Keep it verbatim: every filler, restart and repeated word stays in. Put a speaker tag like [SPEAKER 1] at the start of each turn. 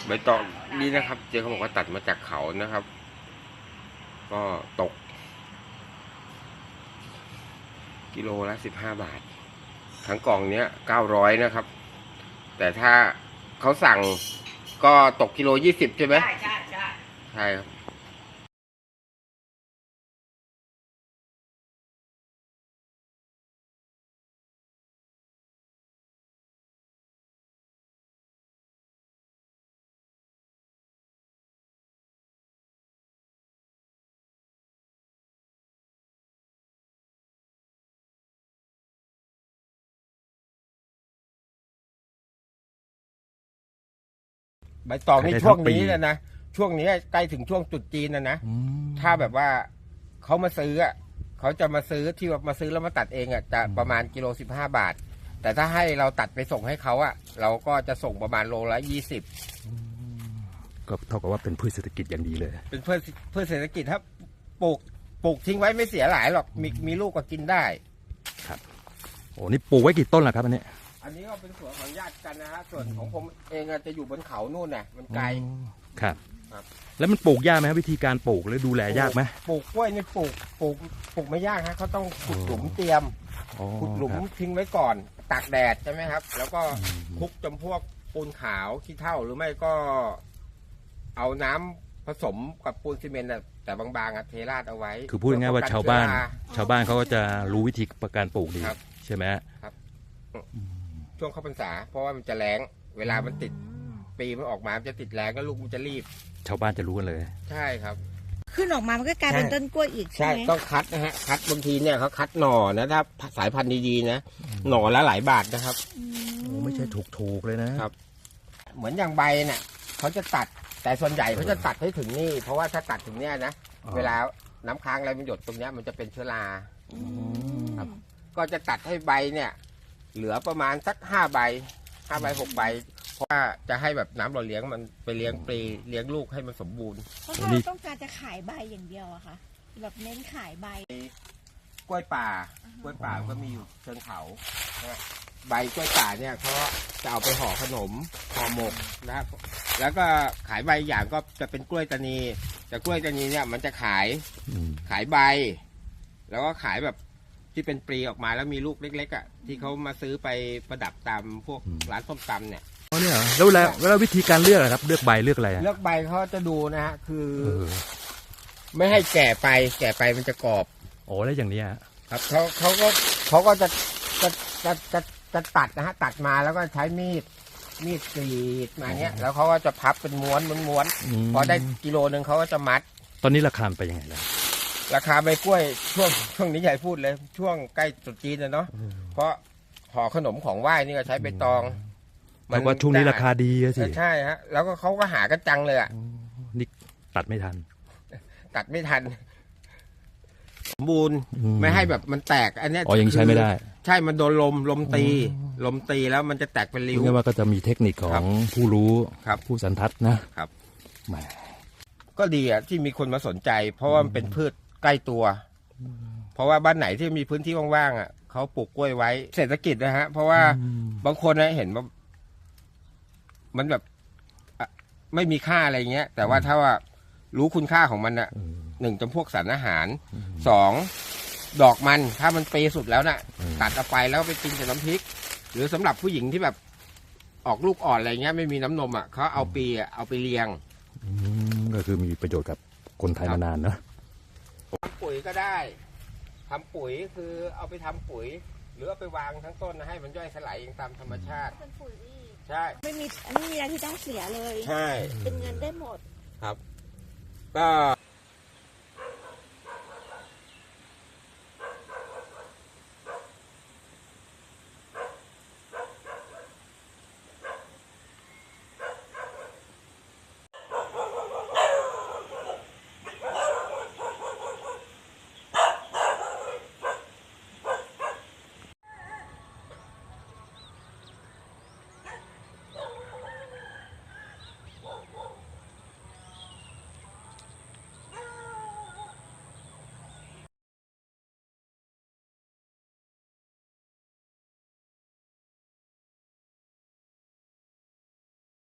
[SPEAKER 1] ใบตองนี่นะครับเจ๊เขาบอกว่าตัดมาจากเขานะครับก็ตกกิโลละสิบห้าบาททั้งกล่องเนี้ยเก้าร้อยนะครับแต่ถ้าเขาสั่งก็ตกกิโลยี่สิบใช่ไหมใช่ใช่ใช่ใช่ครับใบตองนี่ช่วงนี้แล้วนะช่วงนี้ใกล้ถึงช่วงจุดจีนนะนะถ้าแบบว่าเขามาซื้ออ่ะเขาจะมาซื้อที่ว่ามาซื้อแล้วมาตัดเองอ่ะจะประมาณกิโลสิบห้าบาทแต่ถ้าให้เราตัดไปส่งให้เขาอ่ะเราก็จะส่งประมาณโลละยี่สิบ
[SPEAKER 2] ก็เท่ากับว่าเป็นพืชเศรษฐกิจอย่างดีเลย
[SPEAKER 1] เป็นพืชพืชเศรษฐกิจถ้าปลูกปลูกทิ้งไว้ไม่เสียหลายหรอกมีมีลูกก็กินได้
[SPEAKER 2] ครับโอ้นี่ปลูกไว้กี่ต้นล่ะครับอันนี้
[SPEAKER 1] อันนี้ก็เป็นสวนของญาติกันนะฮะส่วนของผมเองจะอยู่บนเขาโน่นน่ะมันไกล
[SPEAKER 2] ครับแล้วมันปลูกยากไหมวิธีการปลูกหรือดูแลยากไหม
[SPEAKER 1] ปลูกกล้วยนี่ปลูกปลูกปลูกไม่ยากฮะเขาต้องขุดหลุมเตรียมขุดหลุมทิ้งไว้ก่อนตากแดดใช่ไหมครับแล้วก็คลุกจำพวกปูนขาวขี้เถ้าหรือไม่ก็เอาน้ำผสมกับปูนซีเมนต์แต่บางๆอะเทราดเอาไว้
[SPEAKER 2] คือพูดง่ายๆว่าชาวบ้านชาวบ้านเขาก็จะรู้วิธีการปลูกดีใช่ไหม
[SPEAKER 1] ครับช่วงเข้าพรรษาเพราะว่ามันจะแรงเวลามันติดปีมันออกมาจะติดแรงก็ลูกมันจะรีบ
[SPEAKER 2] ชาวบ้านจะรู้กันเลย
[SPEAKER 1] ใช่ครับ
[SPEAKER 3] ขึ้นออกมามันก็กลายเป็นต้นกล้วยอีกใช่ไหม
[SPEAKER 1] ต้องคัดนะฮะคัดบางทีเนี่ยเขาคัดหน่อนะถ้าสายพันธุ์ดีๆนะหน่อละหลายบาทนะครับ
[SPEAKER 2] โอ้ไม่ใช่ถูกๆเลยนะครับ
[SPEAKER 1] เหมือนอย่างใบเนี่ยเขาจะตัดแต่ส่วนใหญ่เขาจะตัดให้ถึงนี่เพราะว่าถ้าตัดถึงเนี้ยนะเวลาน้ำค้างอะไรมันหยดตรงเนี้ยมันจะเป็นเชื้อราครับก็จะตัดให้ใบเนี่ยเหลือประมาณสักห้าใบห้าใบหกใบเพราะว่าจะให้แบบน้ำหล่อเลี้ยงมันไปเลี้ยงปลีเลี้ยงลูกให้มันสมบูรณ์
[SPEAKER 3] เพราะเราต้องการจะขายใบอย่างเดียวอะค่ะแบบเน้นขายใบ
[SPEAKER 1] กล้วยป่ากล้วยป่าก็มีอยู่เชิงเขาใบกล้วยป่าเนี่ยเขาจะเอาไปห่อขนมห่อหมกนะครับแล้วก็ขายใบอย่างก็จะเป็นกล้วยตานีแต่กล้วยตานีเนี่ยมันจะขายขายใบแล้วก็ขายแบบที่เป็นปลีออกมาแล้วมีลูกเล็กๆอ่ะที่เขามาซื้อไปประดับตามพวกร้านส้มตำเนี่ย
[SPEAKER 2] อ๋อเนี่ยแล้วแล้วแล้ววิธีการเลือกครับเลือกใบเลือกอะไร
[SPEAKER 1] เลือกใบเขาจะดูนะฮะคือไม่ให้แก่ไปแก่ไปมันจะกรอบ
[SPEAKER 2] โอ้แล้วอย่างนี้
[SPEAKER 1] ครับเขาเขาก็เขาก็จะจะจะจะจะตัดนะฮะตัดมาแล้วก็ใช้มีดมีดกรีดมาเนี้ยแล้วเขาก็จะพับเป็นม้วนม้วนพอได้กิโลนึงเขาก็จะมัด
[SPEAKER 2] ตอนนี้ราคาไปยังไงล่ะ
[SPEAKER 1] ราคาใบกล้วยช่วงช่วงนี้ใหญ่พูดเลยช่วงใกล้ตรุษจีนนะเนาะเพราะห่อขนมของไหว้นี่ก็ใช้ใบตอง
[SPEAKER 2] มันว่าช่วงนี้ราคาดีสิ
[SPEAKER 1] ใช่ฮะแล้วก็เขาก็หากันจังเลยอ่ะ
[SPEAKER 2] นี่ตัดไม่ทัน
[SPEAKER 1] ตัดไม่ทันสมบูรณ์ไม่ให้แบบมันแตกอันนี้
[SPEAKER 2] อ๋อยังใช้ไม่ได้
[SPEAKER 1] ใช่มันโดนลมลมตีลมตีแล้วมันจะแตกเป็นริ้ว
[SPEAKER 2] เรียกว่าก็จะมีเทคนิคของผู้รู้ผู้สันทัดนะครับแหม
[SPEAKER 1] ก็ดีอ่ะที่มีคนมาสนใจเพราะว่ามันเป็นพืชใกล้ตัวเพราะว่าบ้านไหนที่มีพื้นที่ว่างๆอ่ะเขาปลูกกล้วยไว้เศรษฐกิจนะฮะเพราะว่าบางคนนะเห็นว่ามันแบบไม่มีค่าอะไรเงี้ยแต่ว่าถ้าว่ารู้คุณค่าของมันอ่ะหนึ่งจำพวกสารอาหารสองดอกมันถ้ามันเปย์สุดแล้วน่ะตัดเอาไปแล้วไปกินกับน้ำพริกหรือสำหรับผู้หญิงที่แบบออกลูกอ่อนอะไรเงี้ยไม่มีน้ำนมอ่ะเขาเอาปีอ่ะเอาไปเลี้ยง
[SPEAKER 2] ก็คือมีประโยชน์กับคนไทยมานานเนอะ
[SPEAKER 1] ทำปุ๋ยก็ได้ทำปุ๋ยคือเอาไปทำปุ๋ยหรือเอาไปวางทั้งต้นนะให้มันย่อยสลายเองตามธรรมชาติ
[SPEAKER 3] เป็นปุ๋ย
[SPEAKER 1] ใช่
[SPEAKER 3] ไม่มีไม่มีอะไรที่ต้องเสียเลย
[SPEAKER 1] ใช่
[SPEAKER 3] เป็นเงินได้หมด
[SPEAKER 1] ครับก็